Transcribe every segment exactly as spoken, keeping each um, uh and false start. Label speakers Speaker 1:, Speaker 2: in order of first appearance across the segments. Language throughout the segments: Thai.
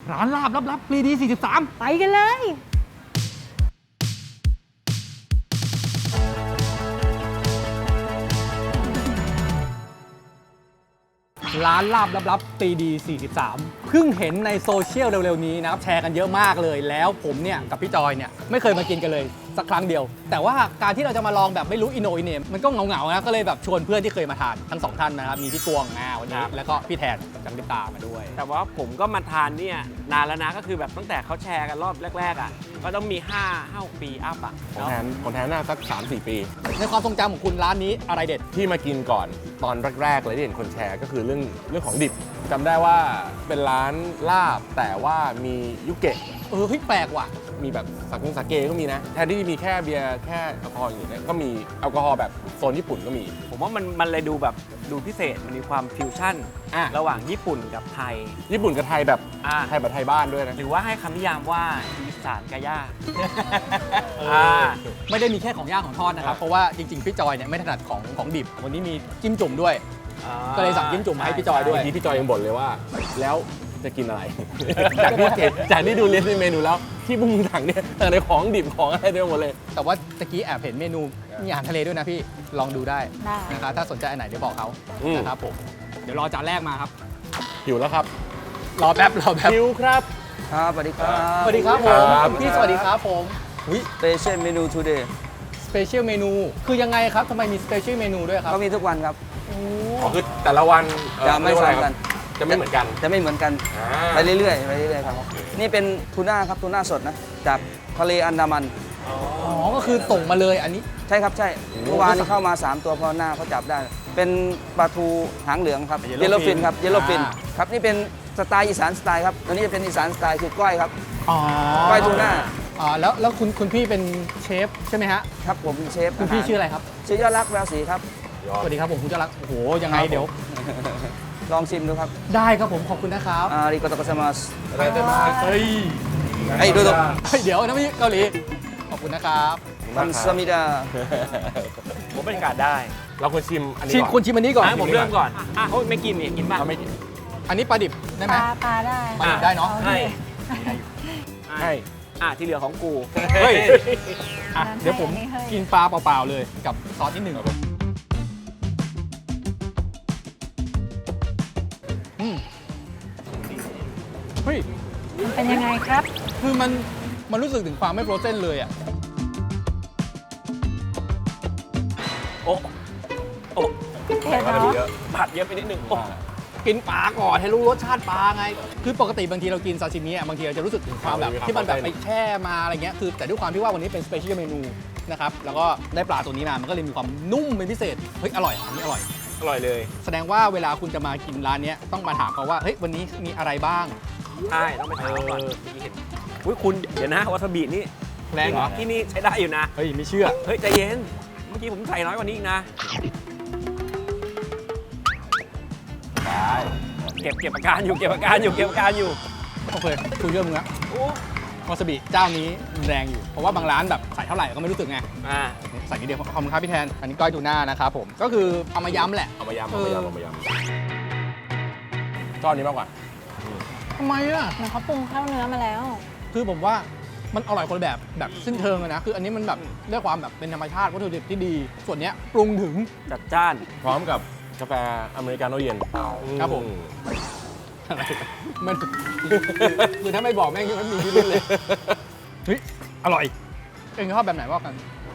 Speaker 1: ร้านลาบลับๆปรีดีสี่สิบสาม
Speaker 2: ไปกันเลย
Speaker 1: ร้านลาบลับๆปรีดีสี่สิบสามเพิ่งเห็นในโซเชียลเร็วๆนี้นะครับแชร์กันเยอะมากเลยแล้วผมเนี่ยกับพี่จอยเนี่ยไม่เคยมากินกันเลยสักครั้งเดียวแต่ว่าการที่เราจะมาลองแบบไม่รู้อินโนอินเนมมันก็เหงาๆนะก็เลยแบบชวนเพื่อนที่เคยมาทานทั้งสองท่านนะครับมีพี่กวงมาวันนี้แล้วก็พี่แทนจังลิตามาด้วย
Speaker 3: แต่ว่าผมก็มาทานเนี่ยนานแล้วนะก็คือแบบตั้งแต่เขาแชร์กันรอบแรกๆอ่ะก็ต้องมี5 5 ปีอัพอ่ะ
Speaker 4: ของแทนของแทนน่าสัก สามสี่ ปี
Speaker 1: ในความทรงจำของคุณร้านนี้อะไรเด็ด
Speaker 4: ที่มากินก่อนตอนแรกๆเลยที่เห็นคนแชร์ก็คือเรื่องเรื่องของดิบจำได้ว่าเป็นร้านลาบแต่ว่ามียุเกะ
Speaker 1: เออเฮ้ยแปลกว่ะ
Speaker 4: มีแบบสักงสาเกก็มีนะแทนที่จะมีแค่เบียร์แค่แอลกอฮอล์อย่างนี้ก็มีแอลกอฮอล์แบบโซนญี่ปุ่นก็มี
Speaker 3: ผมว่ามันมันเลยดูแบบดูพิเศษมันมีความฟิวชั่นระหว่างญี่ปุ่นกับไทย
Speaker 4: ญี่ปุ่นกับไทยแบบไทยแบบไทยบ้านด้วยนะ
Speaker 3: หรือว่าให้คำนิยามว่าอีสานกะย่า
Speaker 1: ไม่ได้มีแค่ของย่างของทอดนะครับเพราะว่าจริงๆพี่จอยเนี่ยไม่ถนัดของของดิบวันนี้มีจิ้มจุ่มด้วยก็เลยสั่งจิ้มจุ่มมาให้พี่จอยด้วย
Speaker 4: ที่พี่จอยยังบ่นเลยว่าแล้วจะกินอะไร จากที่เห็นจากที่ดูลิสต์เมนูแล้วที่พวกมึงสั่งเนี่ยแต่ในของดิบของอะไรเต็มหมดเลย
Speaker 1: แต่ว่าตะกี้แอบเห็นเมนูมีอาหารทะเลด้วยนะพี่ลองดูได้นะครับถ้าสนใจอันไหนเดี๋ยวบอกเขานะครับผมเดี๋ยวรอจานแรกมาครับ
Speaker 4: หิวแล้วครับ
Speaker 1: รอแป๊บรอแป๊บ
Speaker 4: หิวครับ
Speaker 5: ครับสวัสดีครับ
Speaker 1: สวัสดีครับผมพี่สวัสดีครับผม
Speaker 5: สเปเชียลเมนู today
Speaker 1: สเปเชียลเมนูคือยังไงครับทำไมมีสเปเชียลเมนูด้วยครับ
Speaker 5: ก็มีทุกวันครับ
Speaker 4: อ๋อคือแต่ละวัน
Speaker 5: จะไม่ซ้ำกัน
Speaker 4: จะไม่เหมือนกัน
Speaker 5: จะไม่เหมือนกันไปเรื่อยๆไปเรื่อยๆครับนี่เป็นทูน่าครับทูน่าสดนะจากทะเลอันดามัน
Speaker 1: อ๋อก็คือส่งมาเลยอันนี้
Speaker 5: ใช่ครับใช่เมื่อวานนี้เข้ามาสามตัวพอหน้าเขาจับได้เป็นปลาทูหางเหลืองครับเยลโลฟินครับเยลโลฟินครับนี่เป็นสไตล์อีสานสไตล์ครับตัวนี้จะเป็นอีสานสไตล์คือก้อยครับก้อยทูน่า
Speaker 1: อ๋อแล้วแล้วคุณคุณพี่เป็นเชฟใช่ไหมฮะ
Speaker 5: ครับผมเชฟ
Speaker 1: คุณพี่ชื่ออะไรครับ
Speaker 5: ชื่อยอดรักแววศรีครับ
Speaker 1: สวัสดีครับผมคุณยอดรักโอ้โหยังไงเดี๋ยว
Speaker 5: ลองชิมดูครับ
Speaker 1: ได้ครับผมขอบคุณนะครับ
Speaker 5: อาริโกโตโกซามัส
Speaker 1: อะไรจะมาเฮ้ย
Speaker 5: ไอ้ดูดู
Speaker 1: เดี๋ยวนะพี่เกาหลีขอบคุณนะครับ
Speaker 5: คันซามิดา
Speaker 3: ผมบรรยากาศได้
Speaker 4: เราควรชิมอันนี้
Speaker 1: ชิมคุณชิมอันนี้ก่อน
Speaker 3: ผมเริ่มก่อนอ่ะเขาไม่กินนี่กินป่ะ
Speaker 4: ไม่กิน
Speaker 1: อันนี้ปลาดิบได้ไหม
Speaker 2: ปลาได้
Speaker 1: ปลาดิบได้เนาะ
Speaker 3: ให้
Speaker 4: ให้
Speaker 3: อ่ะที่เหลือของกู
Speaker 1: เฮ้ยเดี๋ยวผมกินปลาเปล่าๆเลยกับซอสนิดหนึ่งเฮ้ย
Speaker 2: มันเป็นยังไงครับ
Speaker 1: คือมันมันรู้สึกถึงความไม่โฟรเซนเลยอ่ะ
Speaker 3: โอ้โอ้
Speaker 2: เผ็ดเนาะ
Speaker 3: ผัดเยอะไปนิดนึง
Speaker 1: กินปลาก่อนให้รู้รสชาติปลาไงคือปกติบางทีเรากินซาชิมิอ่ะบางทีเราจะรู้สึกถึงความแบบที่มันแบบไปแช่มาอะไรเงี้ยคือแต่ด้วยความที่ว่าวันนี้เป็นสเปเชียลเมนูนะครับแล้วก็ได้ปลาตัวนี้มามันก็เลยมีความนุ่มเป็นพิเศษเฮ้ยอร่อยอันนี้อร่อย
Speaker 3: อร่อยเลย
Speaker 1: แสดงว่าเวลาคุณจะมากินร้านนี้ต้องมาถามเขาว่าเฮ้ยวันนี้มีอะไรบ้าง
Speaker 3: ใช่ต้องไปถามก่อนเห็นอุ้ยคุณเดี๋ยวนะวาซาบินี่
Speaker 1: แรงเหรอ
Speaker 3: ที่นี่ใช้ได้อยู่นะ
Speaker 1: เฮ้ยไม่เชื่อ
Speaker 3: เฮ้ยใจเย็นเมื่อกี้ผมใส่น้อยกว่านี้อีกนะได้เก็บเก็บอาการอยู่เก็บอาการอยู่เก็บอาการอยู่
Speaker 1: โอเคคุยเรื่องมึงละวาซาบิเจ้านี้แรงอยู่เพราะว่าบางร้านแบบใส่เท่าไหร่ก็ไม่รู้สึกไง
Speaker 3: อ่า
Speaker 1: ใส่นิดเดียวขอบคุณครับพี่แทนอันนี้ก้อยทูน่านะครับผมก็คือเอามาย้ำแหละ
Speaker 4: เอามาย้ำเอามาย้ำเอามาย้ำชอบนี้มากกว่า
Speaker 1: ทำไมอ่ะ
Speaker 2: เหมือนเขาปรุงข้าวเนื้อมาแล้ว
Speaker 1: คือผมว่ามันอร่อยคนละแบบแบบสิ้นเชิงเลยนะคืออันนี้มันแบบเรื่องความแบบเป็นธรรมชาติวัตถุดิบที่ดีส่วนนี้ปรุงถึง
Speaker 3: จัดจ้าน
Speaker 4: พร้อมกับกาแฟอเมริกาโน่เย็น
Speaker 1: ครับผมอะไรมันคือถ้าไม่บอกแม่งยังไม่มีที่รุ่นเลยเฮ้ยอร่อยเองชอบแบบไหนว่ากัน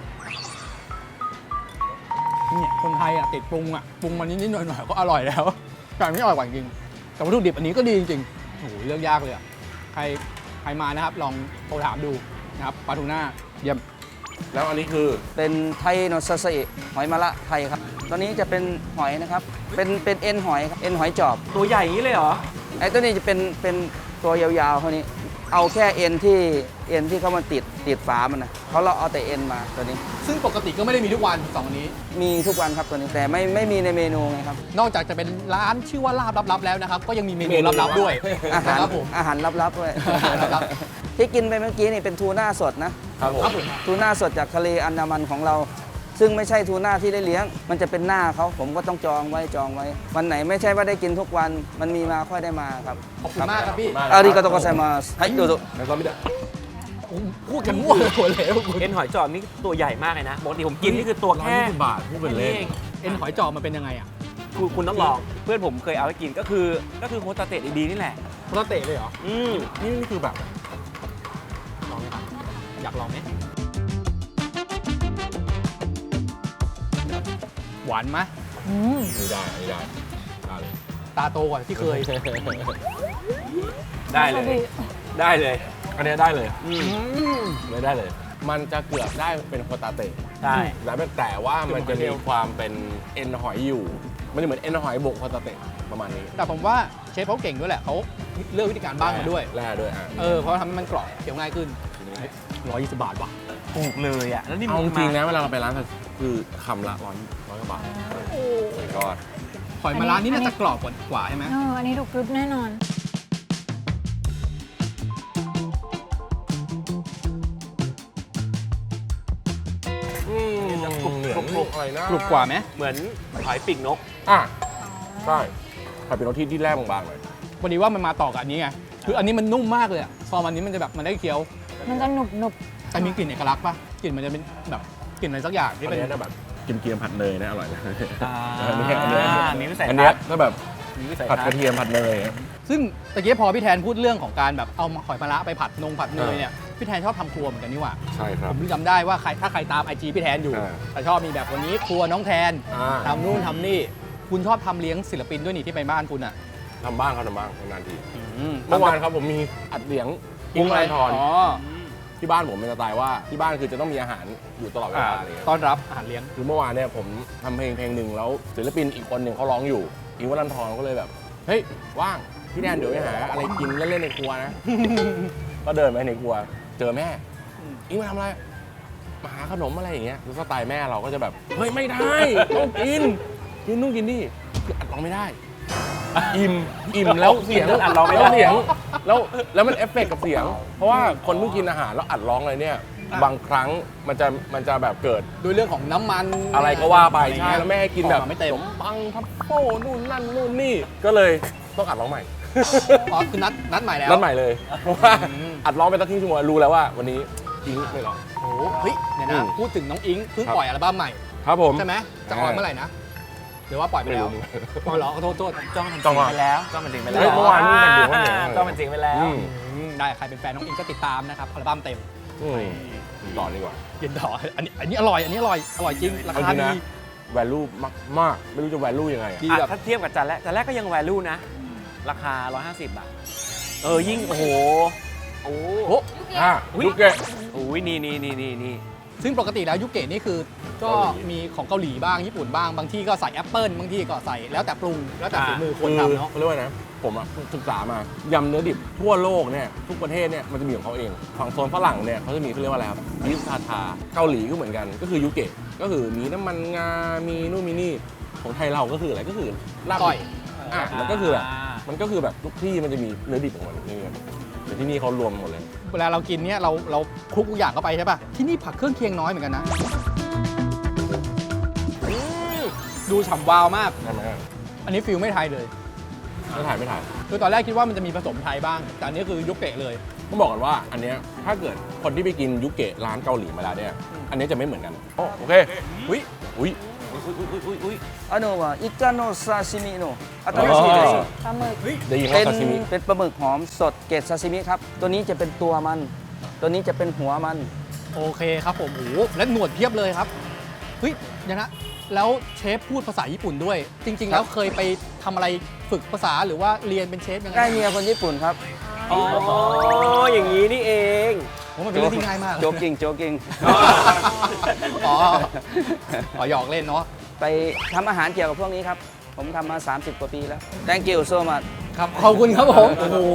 Speaker 1: เนี่ยคนไทยอ่ะติดปรุงอ่ะปรุงมันนิดๆหน่อยๆก็อร่อยแล้วแต่ไม่อร่อยกว่าจริงแต่วัตถุดิบอันนี้ก็ดีจริงๆโอ้โหเลือกยากเลยอ่ะใครใครมานะครับลองโทรถามดูนะครับปลาทูน่าเยี่ยม
Speaker 4: แล้วอันนี้คือ
Speaker 5: เป็นไทโนซาซิหอยมะระไทยครับตอนนี้จะเป็นหอยนะครับเป็นเป็นเอ็นหอยครับเอ็นหอยจอบ
Speaker 3: ตัวใหญ่อย่างนี้เลยเหรอ
Speaker 5: ไอ้ตัวนี้จะเป็นเป็นตัวยาวๆเท่านี้เอาแค่เอ็นที่เอ็นที่เขามาติดติดฝามันนะเขาเราเอาแต่เอ็นมาตัวนี้
Speaker 1: ซึ่งปกติก็ไม่ได้มีทุกวันสองอันนี้
Speaker 5: มีทุกวันครับตัวนี้แต่ไม่ไม่มีในเมนูไงครับ
Speaker 1: นอกจากจะเป็นร้านชื่อว่าลาบลับๆแล้วนะครับก็ยังมีเมนูลับๆด้วย
Speaker 5: อาหารอาหารลับๆด้วยที่กินไปเมื่อกี้นี่เป็นทูน่าสดนะครับ
Speaker 4: ผม
Speaker 5: ทูน่าสดจากทะเลอันดามันของเราซึ่งไม่ใช่ทูน่าที่ได้เลี้ยง มันจะเป็นหน้าเขาผมก็ต้องจองไว้จองไว้ วันไหนไม่ใช่ว่าได้กินทุกวันมันมีมาค่อยได้มาครับ
Speaker 1: ขอบคุณมากครับพี่
Speaker 5: อาริกาโตโกไซมาสให้ดูดู
Speaker 4: แล้วก็ไม่ได้
Speaker 1: พูดกันมั่วเลยหัวเหลวคุณ
Speaker 3: เอ็นหอยจอบนี่ตัวใหญ่มากเลยนะปกติผมกินนี่คือตัว
Speaker 4: ร้อย
Speaker 3: แค่
Speaker 4: ยี่สิบบาทพูดเป็นเล่น
Speaker 3: แค่นี้อง
Speaker 1: เอ็นหอยจอบมันเป็นยังไงอ่ะ
Speaker 3: คุณคุณต้องลองเพื่อนผมเคยเอาไปกินก็คือก็คือโฮตาเตะดีๆนี่แหละ
Speaker 1: โคตรเตะเลยเหรอ
Speaker 3: อืม
Speaker 4: นี่นี่คือแบบ
Speaker 1: ลองไหมครับอยากลองไหมหวานไหม
Speaker 2: อืม
Speaker 4: ไม่ได้ไม่ได้ได้เลย
Speaker 1: ตาโตกว่าที่เคย
Speaker 3: ได้เลย ได้เลย
Speaker 4: อันเนี้ยได้เลย
Speaker 3: อืม
Speaker 4: ไม่ได้เลย มันจะเกือบได้เป็นโคตาเตะ
Speaker 3: ได้
Speaker 4: แล้วแต่ว่ามันจะมีความเป็นเอ็นหอยอยู่ มันจะเหมือนเอ็นหอยบวกโคตาเตะประมาณนี้
Speaker 1: แต่ผมว่าเชฟเขาเก่งด้วยแหละเขาเลือกวิธีการบ้างมาด้วย
Speaker 4: แร่ด้วยอ่ะ
Speaker 1: เออเพราะทำให้มันกรอบเคี้ยวง่ายขึ้นร้อยยี่สิบบาทว่ะ
Speaker 3: ถูกเลยอ่ะแล้วนี่
Speaker 4: เอาจ
Speaker 3: มัน
Speaker 4: ริงๆ
Speaker 3: มา
Speaker 4: นะเวลาเราไปร้านคือคำละร้อยร้อยกว่าบาทโอ้ยก็
Speaker 1: หอยมาร้านนี้น่าจะกรอบกว่ากว่าใช่ไหม
Speaker 2: เอออันนี้ดูกรึบแน่นอน
Speaker 4: อืมเหมือนอะไรนะ
Speaker 1: กรุบกว่าไหม
Speaker 3: เหมือนหอยปีกนก
Speaker 4: อ่ะใช่ถ้าเป็นรสที่ที่แรกบางๆหน่อย
Speaker 1: วันนี้ว่ามันมาต่อกับอันนี้ไงคืออันนี้มันนุ่มมากเลยอะซอมอันนี้มันจะแบบมันได้เคี้ยว
Speaker 2: มันจะหนุบหนุบ
Speaker 1: แต่มีกลิ่นเอกลักษณ์ป่ะกลิ่นมันจะเป็นแบบกลิ่นอะไรสักอย่างที่
Speaker 4: อัน
Speaker 1: เป็น
Speaker 4: เนี้ยถ้าแบบกินเกี๊ยวผัดเนยนะอร่อยนะ
Speaker 3: อ่า
Speaker 4: อันนี้อันเนี้ย
Speaker 3: มีวิสัย
Speaker 4: อัน
Speaker 3: ทั
Speaker 4: เนี้ย
Speaker 3: ศน์
Speaker 4: ถ้าแบบ
Speaker 3: มีวิสัย
Speaker 4: ผัด
Speaker 3: ทั
Speaker 4: ก
Speaker 3: ศ
Speaker 4: ระ
Speaker 3: น์
Speaker 4: เทียมผัดเนย
Speaker 1: ซึ่งตะกี้พอพี่แทนพูดเรื่องของการแบบเอาหอยมะระไปผัดนงผัดเนยเนี่ยพี่แทนชอบทำครัวเหมือนกันนี่หว่า
Speaker 4: ใช่ครั
Speaker 1: ผ
Speaker 4: บ
Speaker 1: มจำได้ว่าใครถ้าใครตามไอจีพี่แทนอยู่
Speaker 4: อ่า
Speaker 1: แต่ชอบมีแบบวันนี้ครัวน้องแทน
Speaker 4: อ่า
Speaker 1: ทำนู่นทำนี่คุณชอบทำเลี้ยงศิลปินด้วยนี่ที่ไปบ้านคุณอ่ะ
Speaker 4: ทำบ้างครับทำบ้างนานๆที
Speaker 1: อื
Speaker 4: เมื่อวานครับผมมีอัดเลี้ยง
Speaker 1: วงอะไร
Speaker 4: ทอน
Speaker 1: อ๋อ
Speaker 4: ที่บ้านผมเป็นสไตล์ว่าที่บ้านคือจะต้องมีอาหารอยู่ตลอดเว
Speaker 1: อ่า
Speaker 4: ลาอะไรเลย
Speaker 1: ต้อนรับอาหารเลี้ยง
Speaker 4: คือเมื่อวานเนี่ยผมทำเพลงเพลงหนึ่งแล้วศิลปินอีกคนหนึ่งเขาร้องอยู่อิงค์วรันทรก็เลยแบบเฮ้ยว่างพี่แดนเดี๋ยวไปหาอะไรกินเล่นๆในครัวนะ ก็เดินไปในครัวเจอแม่อิงมาทำอะไรมาหาขนมอะไรอย่างเงี้ยคือสไตล์แม่เราก็จะแบบเฮ้ยไม่ได้ต้องกินกินนู่นกินนี่คืออัดร้องไม่ได้ อิ่มอิ่มแล้วเสียง
Speaker 3: อัดร้องไม่ได้
Speaker 4: แล้วเสียงแล้วแล้วมันเอฟเฟกต์กับเสียง เพราะว่าคนเพิ่งกินอาหารแล้วอัดร้องอะไรเนี่ย
Speaker 1: อ่ะ
Speaker 4: บางครั้งมันจะมันจะแบบเกิด
Speaker 1: ด้วยเรื่องของน้ำมัน
Speaker 4: อะไรก็ว่าไป
Speaker 1: อะร
Speaker 4: ใช่
Speaker 1: เงี้ย
Speaker 4: แล้วแม่ให้กินแบบ
Speaker 1: ออมาไม่เต็ม
Speaker 4: ขนปังทัฟโป้นู่นนั่นนู่นนี่ก็เลยต้องอัดร้องใหม่
Speaker 1: อ๋อคือนัดนัดใหม่แล้ว
Speaker 4: นัดใหม่เลยเพราะว่า
Speaker 1: อืม
Speaker 4: อัดร้องไปตั้งครึ่งชั่วโมงรู้แล้วว่าวันนี้อิงไม่ร้อง
Speaker 1: โอ้โหเฮ้ยเดี๋ยว
Speaker 4: อื
Speaker 1: นะ
Speaker 4: ม
Speaker 1: พูดถึงน้องอิงเพิ่ง
Speaker 4: ครับ
Speaker 1: ปล่อยอัลบั้มใหม่
Speaker 4: ครับผม
Speaker 1: ใช่ไหมจะออนเมื่อไหร่นะหรือว่าปล่อยไปแล้ว
Speaker 4: ไม่รู้
Speaker 1: ปล่อยเหรอขอโทษโทษ
Speaker 3: จ้องมันจ
Speaker 4: จ้
Speaker 3: ริ
Speaker 4: อง
Speaker 3: ง
Speaker 4: อ่ะ
Speaker 3: ไปแล้วจ้องมันจริงไปแล้
Speaker 4: เฮ้ยว เมื่อวานเพิ่งกันอยู่ว่าเหนือ
Speaker 3: จ้องมันจริงไปแล้ว
Speaker 4: อืม
Speaker 1: อืมได้ใครเป็นแฟนน้องอิงก็ติดตามนะครับอัลบั้มเต็ม
Speaker 4: อืมต่อดีกว่า
Speaker 1: เย็นดออันนี้อันนี้อร่อยอันนี้อร่อยอร่อยจริงรา
Speaker 4: เอา
Speaker 1: คา
Speaker 4: จริง
Speaker 1: ดี
Speaker 4: นะ value มากมากๆไม่รู้จะ value ยังไงอะ
Speaker 1: ดี
Speaker 3: อ่ะ
Speaker 1: แบบ
Speaker 3: ถ้าเทียบกับจานแรกจานแรกก็ยัง value นะ ราคา หนึ่งร้อยห้าสิบ บาท เออ ยิ่ง โอ้โห โอ้
Speaker 1: โอ้
Speaker 4: อ่ะ
Speaker 3: อุ๊ย
Speaker 4: ลูกเกะ
Speaker 3: โหนี่นี่นี่นี่นี่
Speaker 1: ซึ่งปกติแล้วยุเกะนี่คือก็
Speaker 4: เกาหลี
Speaker 1: มีของเกาหลีบ้างญี่ปุ่นบ้างบางที่ก็ใส่แอปเปิลบางที่ก็ใส่แล้วแต่ปรุงแล้วแต่ฝีมือคนทำเนาะ
Speaker 4: เขาเรียกว่านะ ผมอะศึกษามายำเนื้อดิบทั่วโลกเนี่ยทุกประเทศเนี่ยมันจะมีของเขาเองฝั่งโซนฝรั่งเนี่ยเขาจะมีเขาเรียกว่าอะไรครับยิสทาทาเกาหลีก็เหมือนกันก็คือยุเกะก็คือมีน้ำมันงา มีนู่นมีนี่ของไทยเราก็คืออะไรก็คือลาบ
Speaker 1: ก้อย
Speaker 4: อ่ะมันก็คือแบบมันก็คือแบบทุกที่มันจะมีเนื้อดิบของมันนี่ไงแต่ที่นี่เขารวมหมดเลย
Speaker 1: เวลาเรากินเนี่ยเราเราคลุกทุกอย่างเข้าไปใช่ป่ะที่นี่ผักเครื่องเคียงน้อยเหมือนกันนะดูฉ่ำวาวมาก
Speaker 4: ใช่ไหม
Speaker 1: อันนี้ฟิลไม่ไทยเลย
Speaker 4: ไม่ถ่ายไม่ถ่าย
Speaker 1: คือตอนแรกคิดว่ามันจะมีผสมไทยบ้าง แต่อันนี้คือยุเกะเลย
Speaker 4: ต้องบอกกันว่าอันเนี้ยถ้าเกิดคนที่ไปกินยุเกะร้านเกาหลีมาแล้วเนี่ยอันเนี้ยจะไม่เหมือนกันโอ้โอเคอุ้ยอุ้ย
Speaker 3: อุ้ยอุ้ยอุ้ยอุ้ยอุ้ย
Speaker 5: あのはイカの刺身の新しいです
Speaker 2: ปลาหมึก
Speaker 4: ได้ยิน
Speaker 5: เป็
Speaker 4: ว่าน ซาซิมิ
Speaker 5: เป็นปลาหมึกหอมสดเกรดซาซิมิครับ ตัวนี้จะเป็นตัวมัน ตัวนี้จะเป็นหัวมัน
Speaker 1: โอเคครับผมโอ้โหและหนวดเพียบเลยครับเฮ้ยเดี๋ยวนะแล้วเชฟพูดภาษาญี่ปุ่นด้วย จริง ๆ แล้วเคยไปทำอะไรฝึกภาษาหรือว่าเรียนเป็นเชฟยังไง
Speaker 5: ได้เมียคนญี่ปุ่นครับ
Speaker 3: อ๋อ อย่างนี้นี่เอง
Speaker 1: ผมมันเป็นเรื่องที่ง่ายมาก
Speaker 5: โจกิ้งโจกิ้ง
Speaker 1: อ๋ออ๋อหยอกเล่นเนาะ
Speaker 5: ไปทำอาหารเกี่ยวกับพวกนี้ครับ ผมทำมา สามสิบ กว่าปีแล้ว thank you so much
Speaker 1: ครับขอบคุณครับผมโอ้โห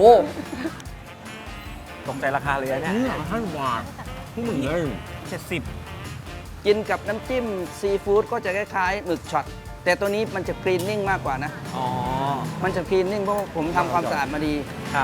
Speaker 3: ตกใจราคาเลยนะเนี่ย
Speaker 4: นี่ท่านวาดผู้หมึงเลย
Speaker 3: เจ็ดสิบ
Speaker 5: กินกับน้ำจิ้มซีฟู้ดก็จะคล้ายๆหมึกช็อต แต่ตัวนี้มันจะคลีนนิ่งมากกว่านะ
Speaker 3: อ๋อ
Speaker 5: มันจะคลีนนิ่งเพราะว่าผมทำความสะอาดมาดี
Speaker 3: ครับ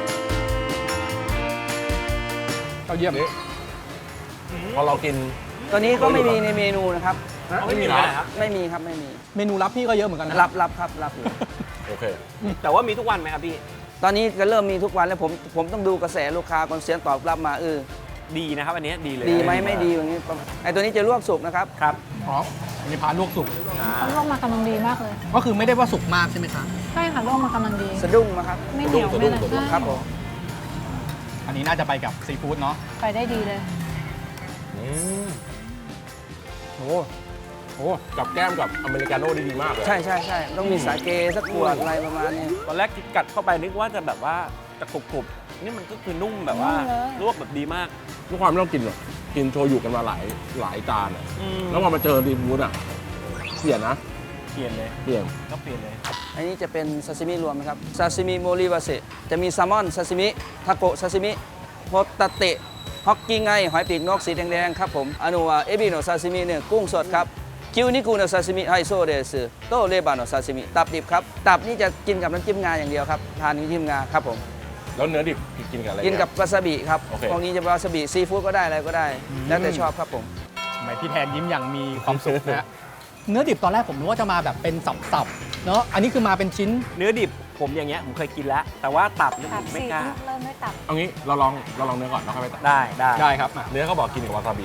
Speaker 1: เราเยี่ยม
Speaker 4: พอเรากิน
Speaker 5: ตัวนี้ก็ไม่มีในเมนูนะครับ
Speaker 3: ไม่มีเลยครับ
Speaker 5: ไม่มีครับไม่มี
Speaker 1: เมนูรับพี่ก็เยอะเหมือนกันนะ
Speaker 5: รับรับครับรับอยู่
Speaker 4: โอเค
Speaker 3: แต่ว่ามีทุกวันไหมครับพี่
Speaker 5: ตอนนี้ก็เริ่มมีทุกวันแล้วผมผมต้องดูกระแสลูกค้าก่อนเสียงตอบรับมาเออ
Speaker 3: ดีนะครับอันนี้ดีเลย
Speaker 5: ดีไหมไม่ดีอย่างนี้ไอตัวนี้จะลวกสุกนะครับ
Speaker 3: ครับ
Speaker 1: อ๋ออันนี้พาลวกสุก
Speaker 2: เขาลวกมากำลังดีมากเลย
Speaker 1: ก็คือไม่ได้ว่าสุกมากใช่ไหมคะ
Speaker 2: ใช่ค่ะลวกมากำลังดี
Speaker 5: สะดุ้งนะครับ
Speaker 2: ไม่เหนียวไม่อะไร
Speaker 4: สะดุ้ง
Speaker 2: ใช่
Speaker 5: ครับผม
Speaker 1: อันนี้น่าจะไปกับซีฟู้ดเนาะ
Speaker 2: ไปได้ดีเลย
Speaker 4: อืมโอ้โหกับแก้มกับอเมริกาโน่ได้ดีมากเลย
Speaker 5: ใช่ใช่ใช่ต้องมีสาเกสักขวดอะไรประมาณนี้
Speaker 3: ตอนแรกกัดเข้าไปนึกว่าจะแบบว่าจะกรุบๆนี่มันก็คือนุ่มแบบว่า
Speaker 2: นุ่มเลย
Speaker 3: ลวกแบบดีมาก
Speaker 4: ทุกความไม่ต้องกินหรอกกินโชยุกันมาหลายหลายจานอะ
Speaker 3: อืม
Speaker 4: แล้วพอมาเจอซีฟู้ดอ่ะเปลี่ยนนะ
Speaker 3: เปลี่ยนเลย
Speaker 4: เปลี่ยน
Speaker 3: ก็เปลี่ยนเลย
Speaker 5: อันนี้จะเป็นซาซิมิรวมนะครับซาซิมิโมริวาเซจะมีแซลมอนซาซิมิทาโกะซาซิมิโฮตาเตะฮอกกี้ไงหอยปีกนกสีแดงๆครับผมอนุวาเอบิโนซาซิมิเนี่ยกุ้งสดครับคิวนิกุโนซาซิมิไฮโซเดสโตเลบานโนซาซิมิตับดิบครับตับนี่จะกินกับน้ำจิ้มงาอย่างเดียวครับทานน้ำจิ้มงาครับผม
Speaker 4: แล้วเนื้อดิบกินกับอะไร
Speaker 5: กินกับวาซาบิครับ
Speaker 4: โอเค
Speaker 5: พวกนี้จะเป็นวาซาบิซีฟู้ดก็ได้อะไรก็ได้ แล้วแต่ชอบครับผม
Speaker 1: ทำไมพี่แทนยิ้มอย่างมีความสุขนะฮะ เนื้อดิบตอนแรกผมนึกว่าจะมาแบบเป็นสับๆ เนาะ อันนี้คือมาเป็นชิ้น
Speaker 3: เนื้อดิบผมอย่างเงี้ยผมเคยกินแล้ว แต่ว่าตับเนี่ย
Speaker 2: ตั
Speaker 3: ผ
Speaker 2: บ
Speaker 3: มไม่
Speaker 2: สี่
Speaker 3: กล้า
Speaker 2: เริ่มด้วยตับ
Speaker 4: เอางี้เราลองเราลองเนื้อก่อนแล้วค่อยไปตัด
Speaker 3: ได้ได้
Speaker 1: ได้ครับอ่ะ
Speaker 4: เนื้อเขาบอกกินกับวาซาบิ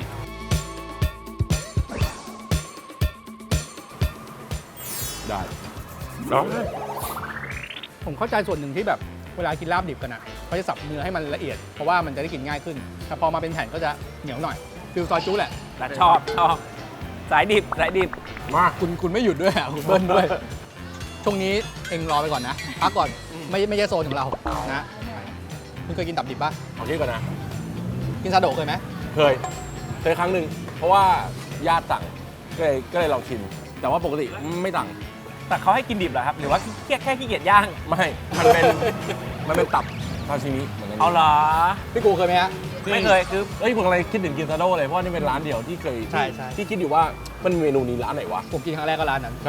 Speaker 4: ได้เนาะ
Speaker 1: ผมเข้าใจส่วนหนึ่งที่แบบเวลากินลาบดิบกันอ่ะเขาจะสับเนื้อให้มันละเอียด เพราะว่ามันจะได้กินง่ายขึ้น แต่พอมาเป็นแผ่นก็จะเหนียวหน่อยฟิลซอยจุ๊แหละ
Speaker 3: แต่ชอบชอบสายดิบสายดิบ
Speaker 4: มา
Speaker 1: คุณคุณไม่หยุดด้วยอ่ะคุณเบิ้ลด้วย ช่วงนี้เองรอไปก่อนนะ พักก่อน ไม่ไม่ใช่โซนของเรานะคุณเคยกินตับดิบปะ
Speaker 4: เอาที่ก่อนนะ
Speaker 1: กินซาโดะเคยไหม
Speaker 4: เคยเคยครั้งหนึ่งเพราะว่าญาติสั่งก็เลยก็เลยลองชิมแต่ว่าปกติไม่สั่ง
Speaker 3: แต่เขาให้กินดิบเหรอครับ หรือว่าแค่แค่ขี้เกียจย่าง
Speaker 4: ไม่มันเป็นมันเป็นตับซาชิมิเหมือนกัน
Speaker 3: เอาเหรอ
Speaker 1: พี่กูเคยไหมฮะ
Speaker 3: ไม่เคยคือ
Speaker 4: เอ้ยผมอะไรคิดถึงกินซาโดเลยเพราะว่านี่เป็นร้านเดียวที่เคย
Speaker 1: ใช่ใช่
Speaker 4: ที่คิดอยู่ว่ามันมีเมนูนี้ร้านไหนวะ
Speaker 1: ผมกินครั้งแรกก็ร้านนั้น
Speaker 4: ใช่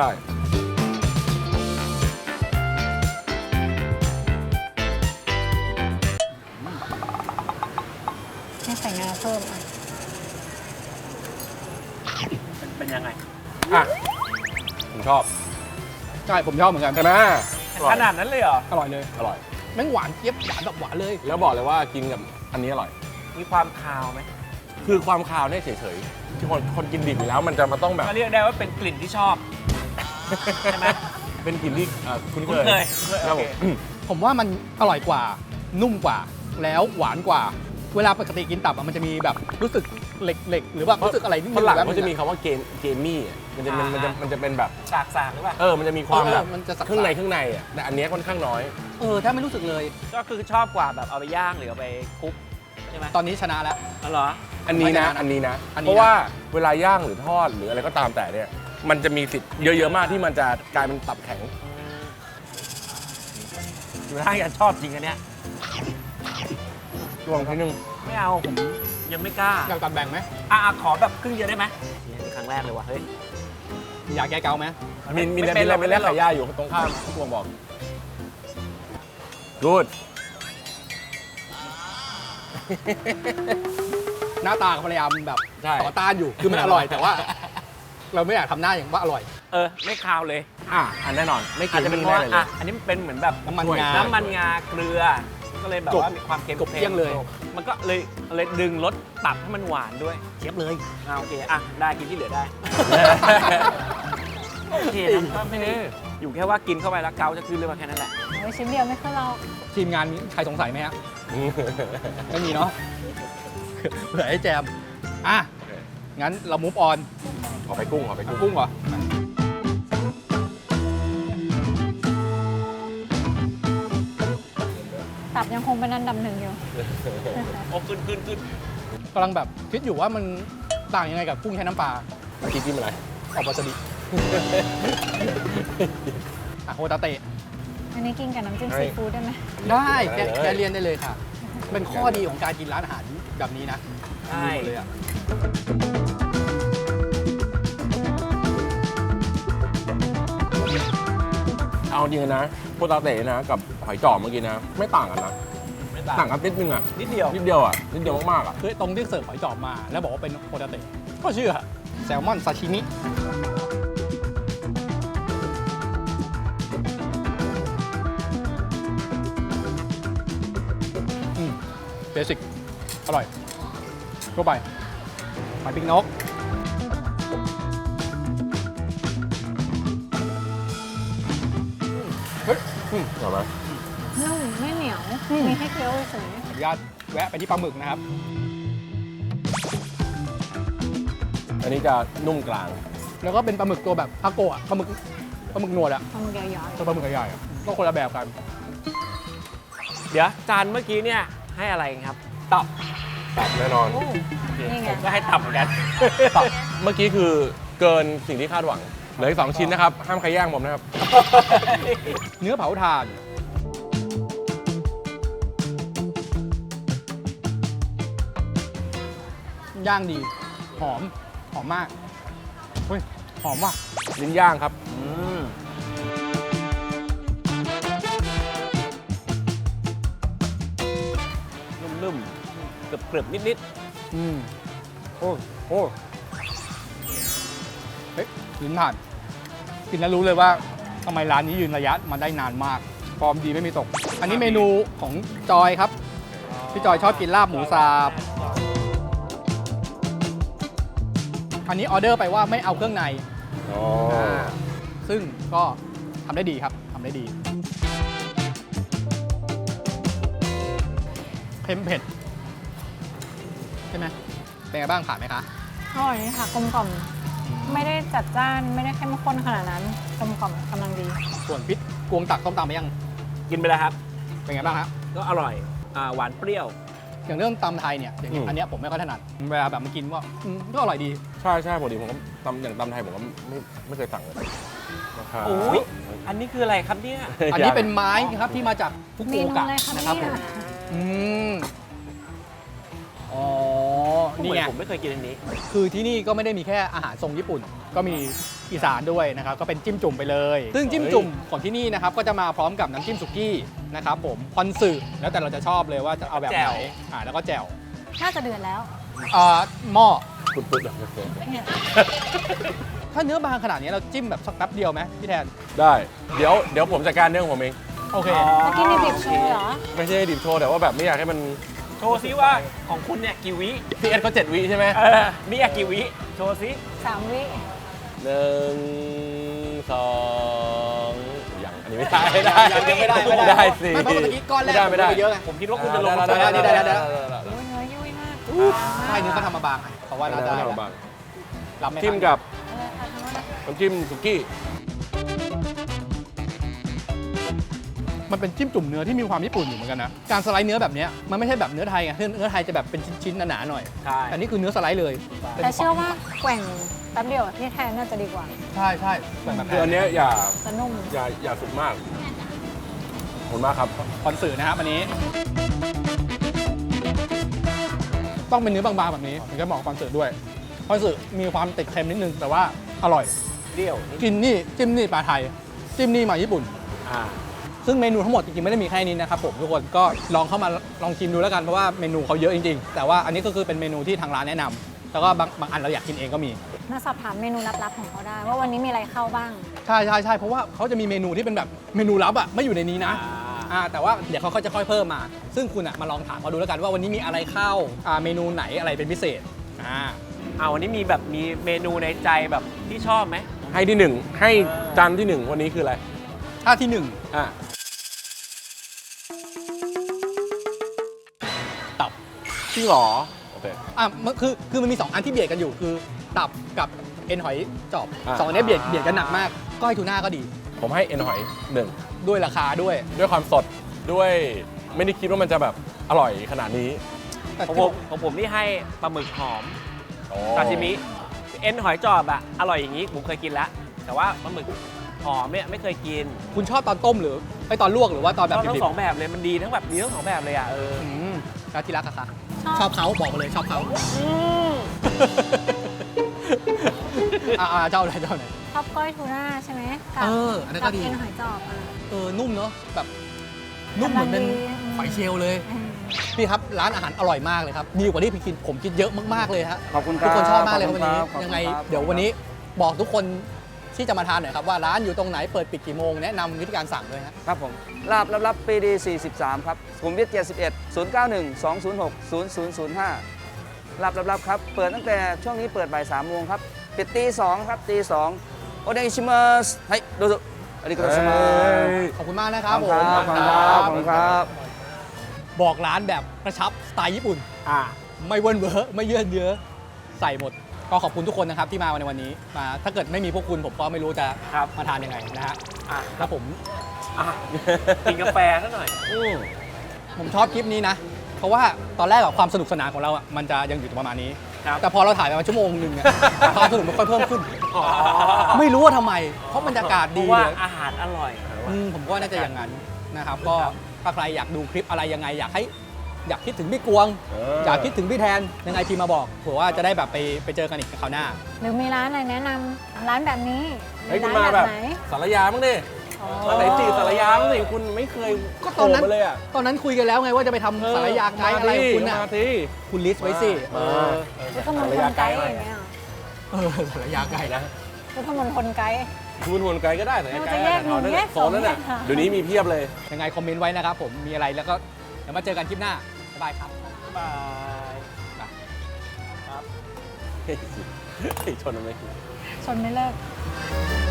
Speaker 2: ให้ใส่งาเพิ่มอ่ะ
Speaker 3: เป็นเป็นยังไง
Speaker 4: อ่ะผมชอบ
Speaker 1: ใช่ ผมชอบเหมือนกัน
Speaker 4: ใช่ไหมอร่อ
Speaker 3: ข
Speaker 4: ย
Speaker 3: นาดนั้นเลยเหรอ
Speaker 1: อร่อยเลย
Speaker 4: อร่อย
Speaker 1: แม่งหวานเจี๊ยบหวานแบบหวานเลย
Speaker 4: แล้วบอกเลยว่ากินกับอันนี้อร่อย
Speaker 3: มีความคาวไหม
Speaker 4: คือความคาวเนี่ยเฉยๆที่คนคนกินดิบอยู่แล้วมันจะมาต้องแบบ
Speaker 3: ก็เรียกได้ว่าเป็นกลิ่นที่ชอบ ใช่ไหม
Speaker 4: เป็นกลิ่นที่เอ่อคุ้นเค
Speaker 3: คุ้น
Speaker 4: ย
Speaker 3: เคย
Speaker 4: ครับผ
Speaker 3: โอ
Speaker 4: ม
Speaker 3: เค
Speaker 1: ผมว่ามันอร่อยกว่า นุ่มกว่า แล้วหวานกว่า เวลาปกติกินตับอะมันจะมีแบบรู้สึกเหล็กๆ หรือว่ารู้สึกอะไรนิด
Speaker 4: ฝ
Speaker 1: นึง
Speaker 4: รั่ง
Speaker 1: แบบ
Speaker 4: มันจะมีคำว่าเกมเกมมี่อ่ะมันจะมันมันจะมันจะเป็นแบบ
Speaker 3: สากสากหรือเปล่า
Speaker 4: เออมันจะมีความแบบ
Speaker 1: มันจะสัก
Speaker 4: เครื่องในเครื่องในอ่ะแต่อันเนี้ยค่อนข้างน้อย
Speaker 1: เออถ้าไม่รู้สึกเลย
Speaker 3: ก็คือชอบกว่าแบบเอาไปย่างหรือเอาไปคลุกใช่ไหม
Speaker 1: ตอนนี้ชนะแล้ว
Speaker 3: อ๋อเหรอ
Speaker 4: อันนี้นะ
Speaker 1: ไม่
Speaker 4: อันนี้นะ
Speaker 1: อันนี้นะ
Speaker 4: เพราะว่าเวลาย่างหรือทอดหรืออะไรก็ตามแต่เนี่ย มันจะมีสิทธิ์เยอะๆมากที่มันจะกลายเป็นตับแข็ง
Speaker 3: อยู่ท่าจะชอบจริงอันเนี้ย
Speaker 4: ลองทีนึง
Speaker 3: ไม่เอาผมยังไม่กล้า
Speaker 1: อยากตัดแบ่งไหม
Speaker 3: อ่ะอ่ะขอแบบครึ่งเดียวได้ไหมนี่ครั้งแรกเลยว่ะเฮ้ย
Speaker 1: อยากแก้เกาไหม
Speaker 4: มีมี
Speaker 3: ไม่
Speaker 4: มี
Speaker 3: เป็น
Speaker 4: อะไร
Speaker 3: หรอก
Speaker 4: เป็นแรกไข่ย่าอยู่ตรงข้ามที่ผมบอก good
Speaker 1: หน้าตาพยายามแบบ
Speaker 4: ใช่
Speaker 1: ต่อต้านอยู่ คือมันอร่อยแต่ว่า เราไม่อยากทำหน้าอย่างว่าอร่อย
Speaker 3: เออไม่คาวเลย
Speaker 4: อ่ะอันแน่นอน ไม่กิ
Speaker 3: อาจ
Speaker 4: น
Speaker 3: จะเป็นเพ
Speaker 4: ไม่
Speaker 3: ราะ
Speaker 4: ได้
Speaker 3: ว่า
Speaker 4: เลย
Speaker 3: อ่ะอันนี้มันเป็นเหมือนแบบ
Speaker 1: น้ำมัน
Speaker 4: ช่วย
Speaker 1: งา
Speaker 3: น้ำมันงาเกลือ ก็เลยแบบ
Speaker 1: กบ
Speaker 3: ว่ามีความเค็ม
Speaker 1: กบเกลี้ยงเลย
Speaker 3: มันก็เลยเลยดึงรสตับให้มันหวานด้วย
Speaker 1: เจี๊ยบเลย
Speaker 3: อ่าโอเคอ่ะได้กินที่เหลือได้ โอเคนะก็ไม่ได้อยู่แค่ว่ากินเข้าไปแล้วเกาจะขึ้นเลยมาแค่นั้นแหละ
Speaker 2: โอ้ยชิ้นเดียวไม่ขึ้นเรา
Speaker 1: ทีมงานมีใครสงสัยไหมฮะ ไม่มีเนาะ เผื่อให้แจม อ่ะ งั้นเรามูฟออน
Speaker 4: ขอไปกุ้งขอไปกุ้ง
Speaker 1: กุ้งเหรอ
Speaker 2: ตับยังคงเป็นอันดับหนึ่งอยู่
Speaker 3: โอ้ขึ้นขึ้นขึ้น
Speaker 1: กำลังแบบคิดอยู่ว่ามันต่างยังไงกับกุ้งแช่น้ำปลา
Speaker 4: เมื่อกี้กินอะไร
Speaker 1: ออกวาซาบิ อ่ะโฮตาเตะ
Speaker 2: อันนี้กินกับน้ำจิ้ม
Speaker 4: เฮ้
Speaker 2: ซี
Speaker 4: ย
Speaker 2: ฟู้ดได้ไหม
Speaker 1: ได้แก
Speaker 4: ได้เลย
Speaker 1: แกเรียนได้เลยค่ะ เป็นข้อดีของการกินร้านอาหารแบบนี้นะ
Speaker 3: ใช่
Speaker 1: ดีหมดเลยอ่ะ
Speaker 4: เอาจริงๆนะโปตาเตะนะกับหอยจอบเมื่อกี้นะ ไม่ต่างกันนะ
Speaker 3: ไม่
Speaker 4: ต่างกันนิดนึงอ่ะ
Speaker 3: นิดเดียว
Speaker 4: นิดเดียวอ่ะนิดเดียวมากๆอ่ะ
Speaker 1: คือตรงที่เสิร์ฟหอยจอบมา แล้วบอกว่าเป็นโฮตาเตะก็เชื่อแซลมอนซาชิมิอืมเบสิกอร่อยทั่วไปหอยปีกนก เฮ้ยอืม
Speaker 4: อร่อยไหม
Speaker 2: นุ่มไม่เหนียว มีให้เคี้ยวเฉย
Speaker 1: ขออนุญาตแวะไปที่ปลาหมึกนะครับ
Speaker 4: อันนี้จะนุ่มกลาง
Speaker 1: แล้วก็เป็นปลาหมึกตัวแบบทาโกะปลาหมึกปลาหมึกหนวดอะ
Speaker 2: ๆทำใหญ่
Speaker 1: ตัวปลาหมึกใหญ่ๆอะก็คนละแบบกัน
Speaker 3: เดี๋ยวจานเมื่อกี้เนี่ยให้อะไรครับ
Speaker 1: ตับ
Speaker 4: ตับแน่นอน
Speaker 2: ๆโอ้นี่ไง
Speaker 3: ผมก็ให้ตับเหมือนกัน
Speaker 1: ตับ
Speaker 4: เมื่อกี้คือเกินสิ่งที่คาดหวัง เหลืออีกสองชิ้นนะครับ ห้ามใครแย่งผมนะครับ
Speaker 1: เนื้อเผาถ่าน ย่างดี หอม หอมมาก เฮ้ย หอมว่ะ
Speaker 4: ลิ้นย่างครับ
Speaker 3: อืมนุ่มๆเกรึบๆนิด
Speaker 1: อืมโอ้โอ้เฮ้ยลิ้นผ่าน กินแล้วรู้เลยว่าทำไมร้านนี้ยืนระยะมาได้นานมาก ฟอร์มดีไม่มีตก อันนี้เมนูของจอยครับ พี่จอยชอบกินลาบหมูสับ อันนี้ออเดอร์ไปว่าไม่เอาเครื่องใน
Speaker 4: อ๋อ
Speaker 1: ซึ่งก็ทำได้ดีครับทำได้ดี เค็มเผ็ด ใช่ไหมเป็นไงบ้างผ่านไหมคะ
Speaker 2: อร่อยนี่ค่ะกลมกล่อม ไม่ได้จัดจ้าน ไม่ได้เข้มข้นขนาดนั้นกลมกล่อมกำลังดี
Speaker 1: ส่วนพิษกวงตักต้มตำไปยัง
Speaker 3: ๆ กินไปแล้วครับ
Speaker 1: เป็นไงบ้างฮะ
Speaker 3: ก็อร่อยอ่าหวานเปรี้ยว
Speaker 1: อย่างเรื่องตำไทยเนี่ยอย่าง
Speaker 4: อืม
Speaker 1: อันเนี้ยผมไม่ค่อยถนัดเวลาแบบมากินว่าอืมก็อร่อยดี
Speaker 4: ใช่ใช่ปกติผมก็ตำอย่างตำไทยผมก็ไม่ไม่เคยสั่งเลยนะครับ
Speaker 3: โอ้ย อันนี้คืออะไรครับเนี่ย
Speaker 1: อันนี้เป็นไม้ครับที่มาจากฟุ
Speaker 2: เม
Speaker 1: กุ
Speaker 2: นู
Speaker 1: โอกะ
Speaker 2: อะไรคะ
Speaker 1: นะครับผ
Speaker 2: เนี่
Speaker 1: ม
Speaker 2: ย
Speaker 1: อืมอ๋อ
Speaker 3: นี่
Speaker 1: นี่
Speaker 3: ไง
Speaker 1: ไง
Speaker 3: ผมไม่เคยกินอันนี้
Speaker 1: คือที่นี่ก็ไม่ได้มีแค่อาหารทรงญี่ปุ่น ก็มีอีสานด้วยนะครับ ก็เป็นจิ้มจุ่มไปเลย ซึ่งจิ้มจุ่มของที่นี่นะครับก็จะมาพร้อมกับน้ำจิ้มสุกี้นะครับผมพอนสึแล้วแต่เราจะชอบเลยว่าจะเอาแบบ
Speaker 3: แจ่
Speaker 1: ไหน
Speaker 3: ว
Speaker 1: อ่าแล้วก็แจ่ว
Speaker 2: น่าจะเดือดแล้ว
Speaker 1: อ่าหม้อ
Speaker 4: ปุดๆแบบ
Speaker 2: เนี่ย
Speaker 1: ถ้าเนื้อบางขนาดนี้เราจิ้มแบบสักแป๊บเดียวไหมพี่แทน
Speaker 4: ได้ เดี๋ยวเดี๋ยวผมจัดการเรื่องของผมเอง
Speaker 1: โอเค
Speaker 2: เมื่อกี้มีบีบโชว์เหรอ
Speaker 4: ไม่ใช่ดิบโชว์แต่ว่าแบบไม่อยากให้มัน
Speaker 3: โชว์ซิว่าของคุณเนี่ยกี่วิ
Speaker 4: พีเอสเขาเจ็ดวิใช่ไหม
Speaker 3: เออมีอะกี่วิ โชว์ซิ
Speaker 2: สามวิ
Speaker 4: หนึ่งสองยังอันนี้ไม่ได้ไม่ได้
Speaker 1: ยังไม่ได้ไม่ได้
Speaker 4: ได้สิ
Speaker 1: ไม่เพราะเมื่อกี้ก้อนแรก
Speaker 4: ไม่ได้
Speaker 1: ผมลงไปเยอะไง
Speaker 3: ผมคิดว่าคุณจะลง
Speaker 4: ได้ได้ได้ได้ได้
Speaker 2: โอ้ยเนื้อยุ่ยมาก
Speaker 1: ใช่เนื้อเขาทำมาบางเพราะว่าน่าจะ
Speaker 4: ได้บาง
Speaker 1: รับไม่ทัน
Speaker 4: จิ้มกับ
Speaker 2: เออทำแล้วนะ
Speaker 4: น้ำจิ้มสุกี้
Speaker 1: มันเป็นจิ้มจุ่มเนื้อที่มีความญี่ปุ่นอยู่เหมือนกันนะ การสไลด์เนื้อแบบเนี้ยมันไม่ใช่แบบเนื้อไทยไงเนื้อไทยจะแบบเป็นชิ้นๆหนาๆหน่อย
Speaker 3: ใช่
Speaker 1: แต่นี่คือเนื้อสไลด์เลย
Speaker 2: แต่เชื่อว่าแกว่งแป๊บเดียวที่แทนน่าจะดีกว่า
Speaker 1: ใช่ใช่แบบแบบ
Speaker 4: คืออันเนี้ยอย่า
Speaker 2: จะนุ่ม
Speaker 4: อย่าอย่าสุกมากขอบคุณมากครับ
Speaker 1: คอนสื่อนะครับอันนี้ ต้องเป็นเนื้อบางๆแบบนี้ถึงจะเหมาะกับคอนเสิร์ตด้วยคอนเสิร์ตมีความติดเค็มนิดนึงแต่ว่าอร่อย
Speaker 3: เปรี้ยวนิด
Speaker 1: กินนี่จิ้มนี่ปลาไทย จิ้มนี่มาญี่ปุ่น
Speaker 3: อ่า
Speaker 1: ซึ่งเมนูทั้งหมดจริงๆไม่ได้มีแค่นี้นะครับผมทุกคนก็ลองเข้ามาลองชิมดูแล้วกันเพราะว่าเมนูเขาเยอะจริงๆ แต่ว่าอันนี้ก็คือเป็นเมนูที่ทางร้านแนะนำแล้วก็บางบางอันเราอยากกินเองก็มี
Speaker 2: น่าสอบถามเมนูลับๆของเขาได้ ว่าวันนี้มีอะไรเข้าบ้าง
Speaker 1: ใช่ใช่ใช่เพราะว่าเขาจะมีเมนูที่เป็นแบบเมนูลับอ่ะไม่อยู่ในนี้นะอ่าแต่ว่าเดี๋ยวเขาก็จะค่อยเพิ่มมา ซึ่งคุณอ่ะมาลองถามเขาดูแล้วกันว่าวันนี้มีอะไรเข้าอ่าเมนูไหนอะไรเป็นพิเศษอ่า
Speaker 3: เอาวันนี้มีแบบมีเมนูในใจแบบที่ชอบไหม
Speaker 4: ให้ที่หนึ่งให้จานที่หนึ่งวันนี้คืออะไร
Speaker 1: ถ้าที่หนึ่ง
Speaker 4: อ่ะ
Speaker 1: ตับ
Speaker 4: จริงเหรอโอเค
Speaker 1: อ่ะมันคือคือมันมีสองอันที่เบียดกันอยู่คือตับกับเอ็นหอยจอบ
Speaker 4: อ่า
Speaker 1: สองอันเนี้ยเบียดเบียดกันหนักมากก้อยทูน่าก็ดี
Speaker 4: ผมให้เอ็นหอยหนึ่ง
Speaker 1: ด้วยราคาด้วย
Speaker 4: ด้วยความสดด้วยไม่ได้คิดว่ามันจะแบบอร่อยขนาดนี้
Speaker 1: แต่
Speaker 3: ของ
Speaker 1: ที่
Speaker 3: ผมของผมนี่ให้ปลาหมึกหอม
Speaker 4: โอ้
Speaker 3: ซาชิมิ เอ็นหอยจอบอะอร่อยอย่างนี้ผมเคยกินแล้ว แต่ว่าปลาหมึกหอมเนี่ยไม่เคยกิน
Speaker 1: คุณชอบตอนต้มหรือไอตอนลวกหรือว่าตอนแบบ
Speaker 3: ชอบทั้
Speaker 1: ดิ
Speaker 3: ง
Speaker 1: บ
Speaker 3: สองแบบเลยมันดีทั้งแบบดีทั้งสองแบบเลยอะเออ
Speaker 1: ๆอืมแล้วที่รักอะคะ
Speaker 2: ชอบ
Speaker 1: ชอบเขาบอกมาเลยชอบเขาอ่าเจ้าไหนเจ้าไหน
Speaker 2: ชอบก้อยทูน่าใช่ไหมกั
Speaker 1: เอออันนั้นก็
Speaker 2: กั
Speaker 1: ดี
Speaker 2: เอ็นหอยจอบอ่ะ
Speaker 1: เออนุ่มเนาะแบบนุ่มเหมือนเป็น
Speaker 2: กำลังดี
Speaker 1: หอยเชลล์เลย
Speaker 2: อืม
Speaker 1: พี่ครับร้านอาหารอร่อยมากเลยครับดีกว่าที่พี่คิดผมคิดเยอะมากๆเลยฮะ
Speaker 5: ขอบคุณค
Speaker 1: ทุ
Speaker 5: รั
Speaker 1: ก
Speaker 5: บ
Speaker 1: คนชอบมากเลยครับวันนี้
Speaker 5: ขอบคุณครับ
Speaker 1: ยังไง
Speaker 5: ขอบคุณครับ
Speaker 1: เดี๋ยววันนี้บอกทุกคนที่จะมาทานหน่อยครับว่าร้านอยู่ตรงไหนเปิดปิดกี่โมงแนะนำวิธีการสั่งด้วยฮะ
Speaker 5: ครับผมลาบลับๆปีดีสี่สิบสามครับสุขุมวิทเจ็ดสิบเอ็ด ศูนย์ เก้า หนึ่ง สอง ศูนย์ หก ศูนย์ ศูนย์ ศูนย์ ห้าลาบลับๆครับเปิดตั้งแต่ช่วงนี้เปิดบ่ายสามโมงครับปิดตีสองครับตีสองโอเดชิมัสให้ดูสุอาริโกโตชิมัส
Speaker 1: ขอบคุณมากนะค
Speaker 5: ข
Speaker 1: รั
Speaker 5: อ
Speaker 1: บบ
Speaker 5: คุณครับขอบคุณครับขอบคุณครับ
Speaker 1: บอกร้านแบบกระชับสไตล์ญี่ปุ่น
Speaker 3: อ่า
Speaker 1: ไม่เวิร์นเวอร์ไม่เยื่อนเยอะใส่หมด ก็ขอบคุณทุกคนนะครับที่มาในวันนี้มาถ้าเกิดไม่มีพวกคุณผมก็ไม่รู้จะ
Speaker 3: ครับ
Speaker 1: มาทานยังไงนะฮะ
Speaker 3: อ่ะ
Speaker 1: แล้วผม
Speaker 3: อ่ะกินกาแฟซะหน่อย
Speaker 4: อืม
Speaker 1: ผมชอบคลิปนี้นะ เพราะว่าตอนแรกอะความสนุกสนานของเราอะมันจะยังอยู่ประมาณนี้
Speaker 3: ครับ
Speaker 1: แต่พอเราถ่ายไปประมาณชั่วโมงหนึ่งอะ ความสนุกมันค่อยเพิ่มขึ้น ไม่รู้ว่าทำไม เพราะบรรยากาศ
Speaker 3: เพ
Speaker 1: ดี
Speaker 3: ราะว่า
Speaker 1: เลย
Speaker 3: อาหารอร่อย
Speaker 1: อืมผมก็น่าจะอย่างนั้นนะครับ ก็ถ้าใครอยากดูคลิปอะไรยังไง อยากให้อยากคิดถึงพี่กวง
Speaker 4: เอ
Speaker 1: อยากคิดถึงพี่แทนยังไงพิมพ์มาบอกเผื่อว่าจะได้แบบไปไปเจอกันอีกคราวหน้า
Speaker 2: หรือมีร้านอะไรแนะนำร้านแบบนี้
Speaker 4: เฮ้ย
Speaker 2: มี
Speaker 4: คุณ
Speaker 2: ร้าน
Speaker 4: มา
Speaker 2: แบ
Speaker 4: แบบ บ
Speaker 2: ไหน
Speaker 4: สารยาบ้างดิ
Speaker 2: อ๋อ
Speaker 4: มาไหนจีสารยาบ้างดิคุณไม่เคย
Speaker 1: ก็ตอนนั้น
Speaker 4: โผล่มาเลยอ่ะ
Speaker 1: ตอนนั้นคุยกันแล้วไงว่าจะไปทำสารยาไกด์อะไรของคุณน่ะ
Speaker 4: มาที
Speaker 1: คุณลิสต์ไว้สิ
Speaker 4: เออ
Speaker 2: พุทธมณฑลไกด์อย่างเงี้ยเหรอ
Speaker 1: เออสารยาไกด์นะ
Speaker 2: พุทธมณฑลไกด์
Speaker 4: คุณหวนไกลก็ได้แต่
Speaker 2: เรา
Speaker 4: ไกล
Speaker 2: จะแยกหนุ่มแยก
Speaker 4: โซ
Speaker 2: สอง
Speaker 4: นนั้นน่ะ
Speaker 2: แยกสาม
Speaker 4: เดี๋ยวนี้มีเพียบเลย
Speaker 1: ยังไงคอมเมนต์ไว้นะครับผมมีอะไรแล้วก็เดี๋ยวมาเจอกันคลิปหน้าบ๊ายบายครับ
Speaker 3: บาย
Speaker 4: เฮ้ยชนทำไม
Speaker 2: ชนไม่เลิก